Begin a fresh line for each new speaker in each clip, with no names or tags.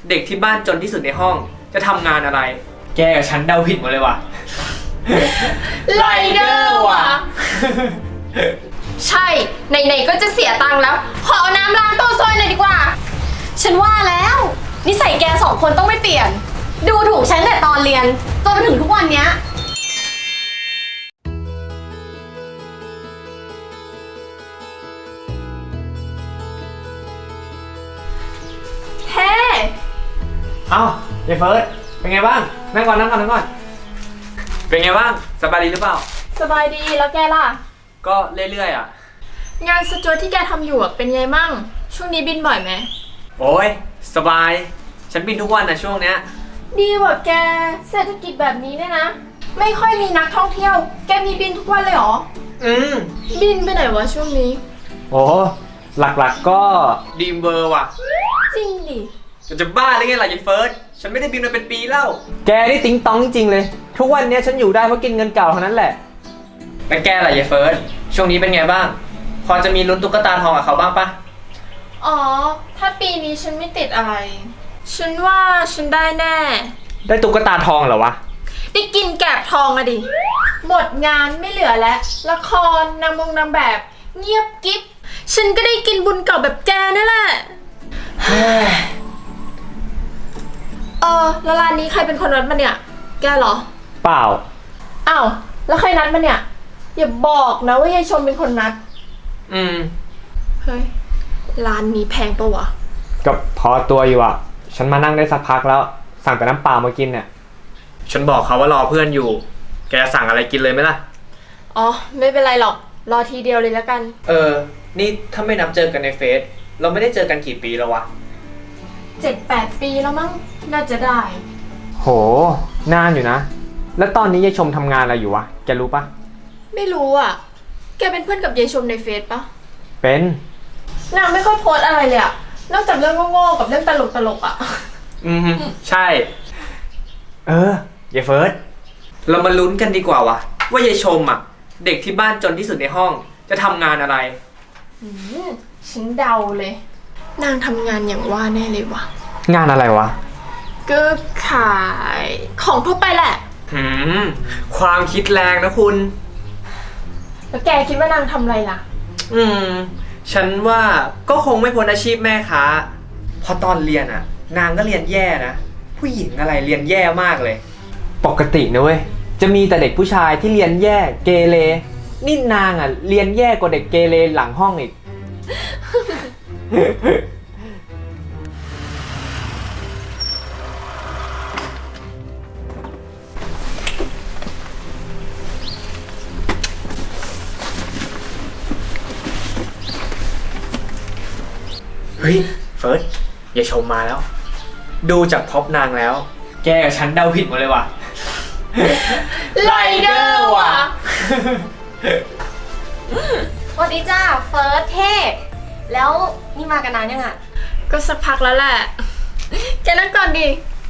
เด็กที่บ้านจนที่สุดในห้องจะทำงานอะไร แกกับฉันเดาผิดหมดเลยว่ะ
ไรเดอร์ว่ะ ใช่ไหนๆก็จะเสียตังค์แล้ว ขอเอาน้ำล้างตัวซอยหน่อยดีกว่า
ฉันว่าแล้วนิสัยแกสองคนต้องไม่เปลี่ยน ดูถูกฉันแต่ตอนเรียนจนมาถึงทุกวันเนี้ยเฮ้
เอ้าเยเฟิร์สเป็นไงบ้างนั่งก่อนเป็นไงบ้างสบายดีหรือเปล่า
สบายดีแล้วแกล่ะ
ก็เรื่อยๆอ่ะ
งานสจวตที่แกทำอยู่เป็นไงมั่ง ช่วงนี้บินบ่อยไหม
โอ้ยสบายฉันบินทุกวันนะช่วงเนี้ย
ดีกว่าแกเศรษฐกิจแบบนี้เนี่ยนะ ไม่ค่อยมีนักท่องเที่ยว แกมีบินทุกวันเลยเหรอ บินไปไหนวะช่วงนี้
โอ้หลักๆก็ดีมเบอร์ว่ะ
จริงดิ
จะบ้าหรือไงล่ะยายเฟิร์สฉันไม่ได้บินมาเป็นปีแล้วแกนี่ติ๊งต้องจริงเลยทุกวันนี้ฉันอยู่ได้เพราะกินเงินเก่าเท่านั้นแหละแล้วแกล่ะยายเฟิร์สช่วงนี้เป็นไงบ้างพอจะมีลุ้นตุ๊กตาทองกับเขาบ้างปะ
อ๋อ ถ้าปีนี้ฉันไม่ติดอะไร ฉันว่าฉันได้แน่
ได้ตุ๊กตาทองเหรอวะ
ได้กินแกบทองอะดิ หมดงานไม่เหลือแล้ว ละครนางแบบ เงียบกิ๊บ ฉันก็ได้กินบุญเก่าแบบแกนั่นแหละ แล้วร้านนี้ใครเป็นคนนัดมาเนี่ย แกเหรอ
เปล่า
อ้าว แล้วใครนัดมาเนี่ย อย่าบอกนะว่ายายชมเป็นคนนัด เฮ้ย ร้านนี้แพงปะวะ
ก็พอตัวอยู่อ่ะฉันมานั่งได้สักพักแล้วสั่งแต่น้ำเปล่ามากินเนี่ยฉันบอกเขาว่ารอเพื่อนอยู่แกสั่งอะไรกินเลยไหมล่ะ
อ๋อ ไม่เป็นไรหรอก รอทีเดียวเลยแล้วกัน
นี่ถ้าไม่นับเจอกันในเฟซเราไม่ได้เจอกันกี่ปีแล้ววะ
7-8 ปีแล้วมั้ง น่าจะได้
โหนานอยู่นะแล้วตอนนี้ยายชมทำงานอะไรอยู่วะแกรู้ปะ
ไม่รู้อ่ะ แกเป็นเพื่อนกับยายชมในเฟซปะ
เป็น
นางไม่ค่อยโพสต์อะไรเลยอะนอกจากเรื่องโง่ๆกับเรื่องตลกๆอะ
ใช่ยายเฟิร์สเรามาลุ้นกันดีกว่าวะว่ายายชมอ่ะเด็กที่บ้านจนที่สุดในห้องจะทำงานอะไร
ฉันเดาเลย นางทำงานอย่างว่าแน่เลยวะ
งานอะไรวะ
ก็ขายของทั่วไปแหละ
ความคิดแรงนะคุณ
แล้วแกคิดว่านางทำอะไรล่ะ
ฉันว่าก็คงไม่พ้นอาชีพแม่ค้าเพราะตอนเรียนอ่ะ นางก็เรียนแย่นะผู้หญิงอะไรเรียนแย่มากเลย ปกตินะเว้ยจะมีแต่เด็กผู้ชายที่เรียนแย่เกเรนี่นางอ่ะเรียนแย่กว่าเด็กเกเรหลังห้องอีก เฮ้ยเฟิร์สอย่าชมมาแล้ว ดูจากพ็อปนางแล้ว แกกับฉันเดาผิดหมดเลยว่ะ
ไรเดอร์ว่ะ
สวัสดีจ้าเฟิร์สเทพแล้วนี่มากันนานยังอ่ะ
ก็สักพักแล้วแหละ แกนั่งก่อนดิ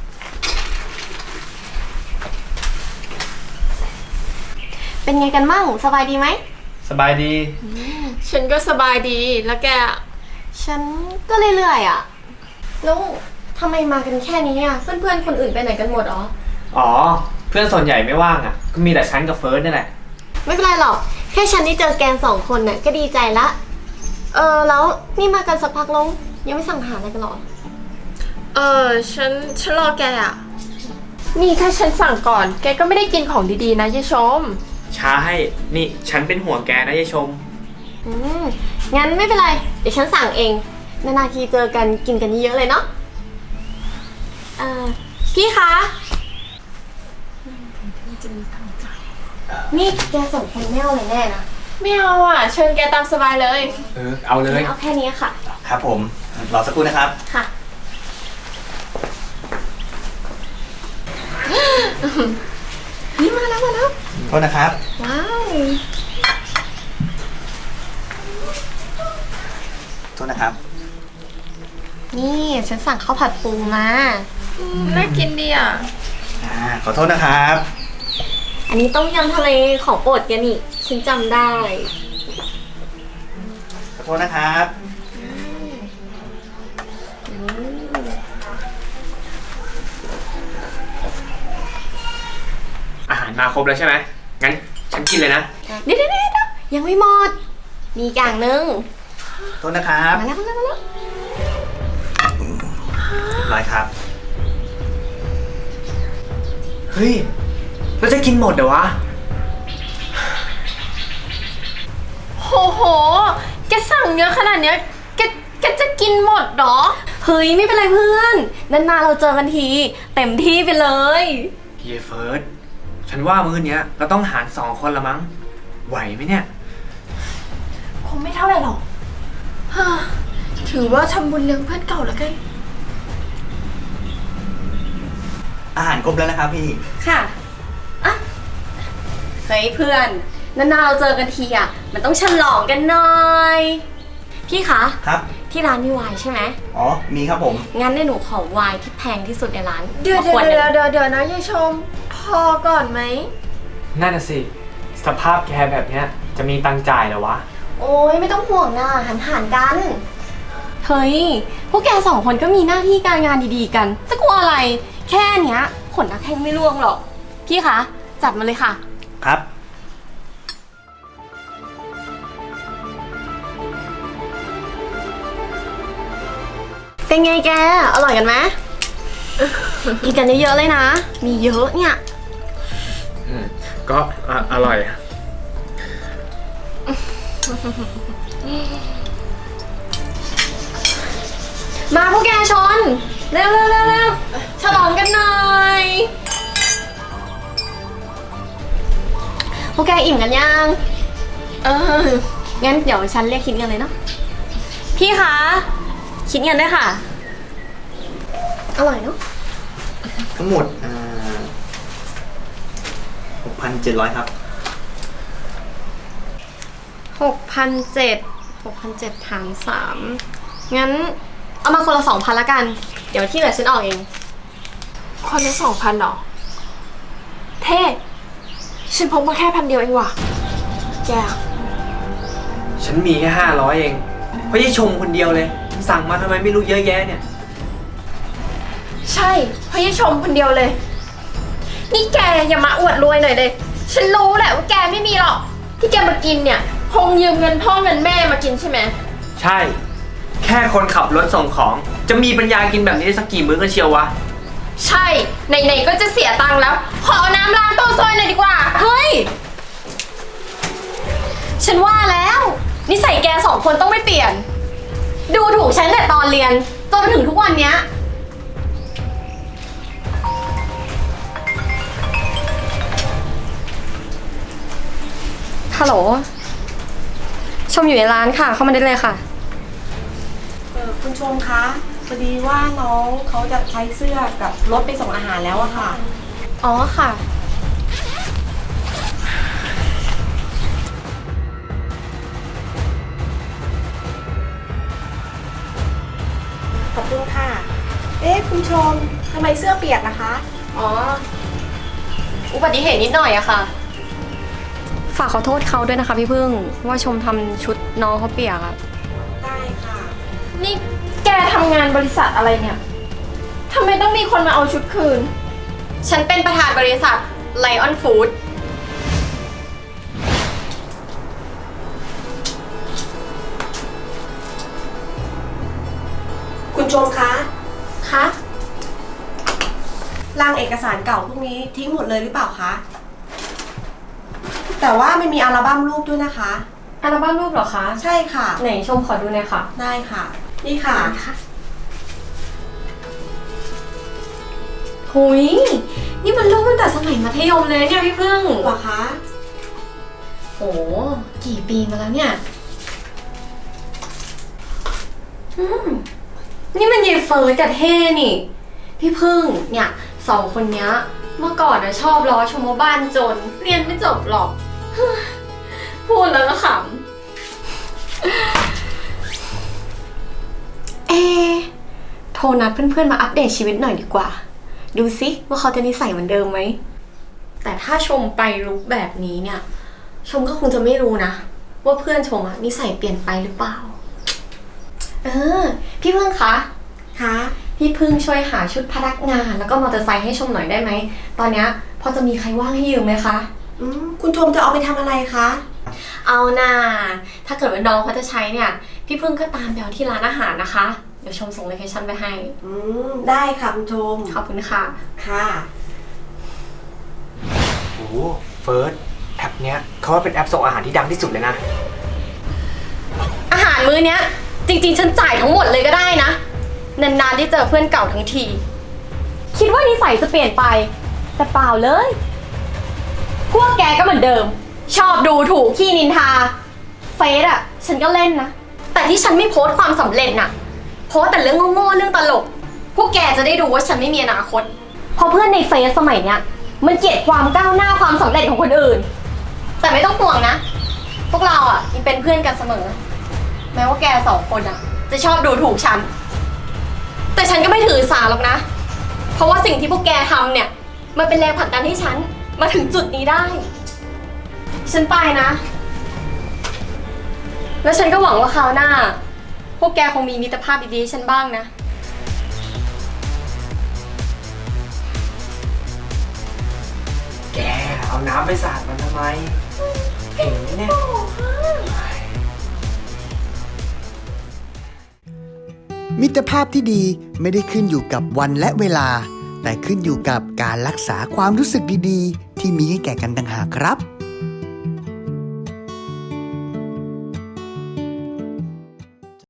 เป็นไงกันมั่งสบายดีไหม
สบายดี
ฉันก็สบายดี แล้วแกอะ
ฉันก็เรื่อยๆอ่ะแล้วทำไมมากันแค่นี้อ่ะเพื่อนๆคนอื่นไปไหนกันหมดอ๋อ
อ๋อ เพื่อนส่วนใหญ่ไม่ว่างอ่ะ ก็มีแต่ฉันกับเฟิร์สนี่แหละ
ไม่เป็นไรหรอกแค่ฉันได้เจอแกนสองคนน่ะก็ดีใจละแล้วนี่มากันสักพักแล้วยังไม่สั่งอาหารอะไรกันหรอ
ฉันรอแกอ่ะ นี่ถ้าฉันสั่งก่อน แกก็ไม่ได้กินของดีๆนะยายชม
ใช่นี่ฉันเป็นห่วงแกนะยายชม
งั้นไม่เป็นไรเดี๋ยวฉันสั่งเองนานๆทีเจอกันกินกันเยอะๆเลยเนาะพี่คะนี่แกสองคนไม่เอาอะไรแน่นะ
ไม่เอาอ่ะ เชิญแกตามสบายเลย
เอาเลย
เอาแค่นี้ค่ะ
ครับผม รอสักครู่นะครับ
ค่ะ นี่มาแล้ว
โทษนะครับ
ว้าว
โทษนะครับ
นี่ฉันสั่งข้าวผัดปูมา
น่ากินดีอ่ะ
ขอโทษนะครับ
อันนี้ต้มยำทะเลของโปรดแกนี่ฉันจำได้
ขอโทษนะครับ
มาครบแล้วใช่ไหมงั้นฉันกินเลยนะ
เดี๋ยวยังไม่หมด มีอีกอย่างหนึง
โทษนะครับ
มาแล้ว
ร้อยครับ
เฮ้ยเราจะกินหมดเหรอวะ
โหโห แกสั่งเยอะขนาดเนี้ย แกจะกินหมดเหรอ
เฮ้ยไม่เป็นไรเพื่อนนานๆเราเจอกันที เต็มที่ไปเลย
เยเฟิร์สฉันว่ามื้อเนี้ยเราต้องหาร2 คนละมั้ง ไหวไหมเนี่ย
คงไม่เท่าไหร่หรอกฮ่าถือว่าทำบุญเลี้ยงเพื่อนเก่าแล้วกัน
อาหารครบแล้วนะครับพี่
ค่ะอ่ะเฮ้ยเพื่อนนานๆเราเจอกันทีอ่ะมันต้องฉลองกันหน่อยพี่คะ
ครับ
ที่ร้านมีไวน์ใช่ไหม
อ๋อ มีครับผม
งั้นในหนูขอไวน์ที่แพงที่สุดในร้าน
เดี๋ยว
ขวดหนึ่ง
นะยายชม พอก่อนไหม
นั่นน่ะสิ สภาพแกแบบเนี้ยจะมีตังค์จ่ายเหรอวะ
โอ้ยไม่ต้องห่วงนะหันกัน เฮ้ย พวกแก2 คนก็มีหน้าที่การงานดีๆกัน จะกลัวอะไร แค่เนี้ยขนนักแข้งไม่ร่วงหรอก พี่คะ จัดมาเลยค่ะ
ครับ
เป็นไงแก อร่อยกันไหม กินกันเยอะๆเลยนะ มีเยอะเนี่ย
ก็อร่อย
มาพวกแกชน เร็วฉลองกันหน่อย พวกแกอิ่มกันยัง งั้นเดี๋ยวฉันเรียกคิดเงินเลยเนาะ พี่คะ คิดเงินด้วยค่ะ อร่อยเนาะ
ทั้งหมด6,700 ครับ
6,700 หาร 3 งั้นเอามาคนละ 2,000ละกัน เดี๋ยวที่เหลือฉันออกเอง
คนละ2,000หรอ เท่ฉันพกมาแค่1,000 เดียวเองว่ะ แก
ฉันมีแค่500เองเพราะยายชมคนเดียวเลย สั่งมาทำไมไม่รู้เยอะแยะเนี่ย
ใช่เพราะยายชมคนเดียวเลย นี่แกอย่ามาอวดรวยหน่อยเลย ฉันรู้แหละว่าแกไม่มีหรอก ที่แกมากินเนี่ย คงยืมเงินพ่อเงินแม่มากินใช่ไหม
ใช่ แค่คนขับรถส่งของ จะมีปัญญากินแบบนี้ได้สักกี่มื้อกันเชียววะ
ใช่ ไหนๆก็จะเสียตังค์แล้ว ขอเอาน้ำล้างตู้ซอยหน่อยดีกว่า
เฮ้ย ฉันว่าแล้ว นิสัยแก2 คนต้องไม่เปลี่ยน ดูถูกฉันแต่ตอนเรียนจนมาถึงทุกวันเนี้ย ฮัลโหล ชมอยู่ในร้านค่ะ เข้ามาได้เลยค่ะ
คุณชมคะพอดีว่าน้องเขาจะใช้เสื้อกับรถไปส่งอาหารแล้วอะค่ะ
อ๋อค่ะ
ขอบคุณค่ะ เอ๊ะคุณชมทำไมเสื้อเปียกนะคะ
อ๋อ อุบัติเหตุนิดหน่อยอะค่ะ ฝากขอโทษเขาด้วยนะคะพี่พึ่ง ว่าชมทำชุดน้องเขาเปียกอะ
ได้ค่ะ
นี่แกทำงานบริษัทอะไรเนี่ย ทำไมต้องมีคนมาเอาชุดคืน
ฉันเป็นประธานบริษัท Lion Food
คุณชมคะ
คะ
ร่างเอกสารเก่าพวกนี้ทิ้งหมดเลยหรือเปล่าคะ แต่ว่าไม่มีอัลบั้มรูปด้วยนะคะ
อัลบั้มรูปเหรอคะ
ใช่ค่ะ
ไหนชมขอดูหน่อยค่ะ
ได้ค่ะ นี่ค่ะ
หุยนี่มันรูปตั้งแต่สมัยมัธยมเลยเนี่ยพี่พึ่ง
เหรอคะ
โอ้กี่ปีมาแล้วเนี่ยนี่มันเยเฟิร์สกับเท่นี่ พี่พึ่งเนี่ย2 คนเนี้ย เมื่อก่อนนะชอบล้อชมว่าบ้านจน เรียนไม่จบหรอก พูดแล้วก็ขำ โทรนัดเพื่อนๆมาอัปเดตชีวิตหน่อยดีกว่า ดูซิว่าเขาจะนิสัยเหมือนเดิมไหม แต่ถ้าชมไปลุกแบบนี้เนี่ย ชมก็คงจะไม่รู้นะ ว่าเพื่อนชมอะนิสัยเปลี่ยนไปหรือเปล่า พี่พึ่งคะ
คะ
พี่พึ่งช่วยหาชุดพนักงานแล้วก็มอเตอร์ไซค์ให้ชมหน่อยได้ไหม ตอนเนี้ยพพอจะมีใครว่างให้ยืมไหมคะ
คุณชมจะเอาไปทำอะไรคะ
เอาน่าถ้าเกิดว่าน้องเขาจะใช้เนี่ย พี่พึ่งก็ตามไปเอาที่ร้านอาหารนะคะ เดี๋ยวชมส่งโลเคชั่นไปให้
ได้ค่ะคุณชม
ขอบคุณค่ะ
ค่ะ
โอ้เฟิร์สแอปเนี้ยเขาว่าเป็นแอปส่งอาหารที่ดังที่สุดเลยนะ
อาหารมื้อเนี้ย จริงๆ ฉันจ่ายทั้งหมดเลยก็ได้นะ นานๆได้เจอเพื่อนเก่าทั้งที คิดว่านิสัยจะเปลี่ยนไป แต่เปล่าเลย พวกแกก็เหมือนเดิม ชอบดูถูกขี้นินทา เฟซอะฉันก็เล่นนะ แต่ที่ฉันไม่โพสต์ความสำเร็จน่ะ โพสต์แต่เรื่องโง่ๆเรื่องตลก พวกแกจะได้ดูว่าฉันไม่มีอนาคตเพราะเพื่อนในเฟซสมัยเนี้ยมันเกลียดความก้าวหน้าความสำเร็จของคนอื่น แต่ไม่ต้องห่วงนะ พวกเราอ่ะยังเป็นเพื่อนกันเสมอ แม้ว่าแกสองคนอ่ะ จะชอบดูถูกฉัน แต่ฉันก็ไม่ถือสาหรอกนะ เพราะว่าสิ่งที่พวกแกทำเนี่ย มันเป็นแรงผลักดันให้ฉันมาถึงจุดนี้ได้ ฉันไปนะ แล้วฉันก็หวังว่าคราวหน้า พวกแกคงมีมิตรภาพดีๆให้ฉันบ้างนะ
แกเอาน้ำไปสาดมันทำไมเห็นไหมเนี่ย
มิตรภาพที่ดีไม่ได้ขึ้นอยู่กับวันและเวลา แต่ขึ้นอยู่กับการรักษาความรู้สึกดีๆ ที่มีให้แก่กันต่างหากครับ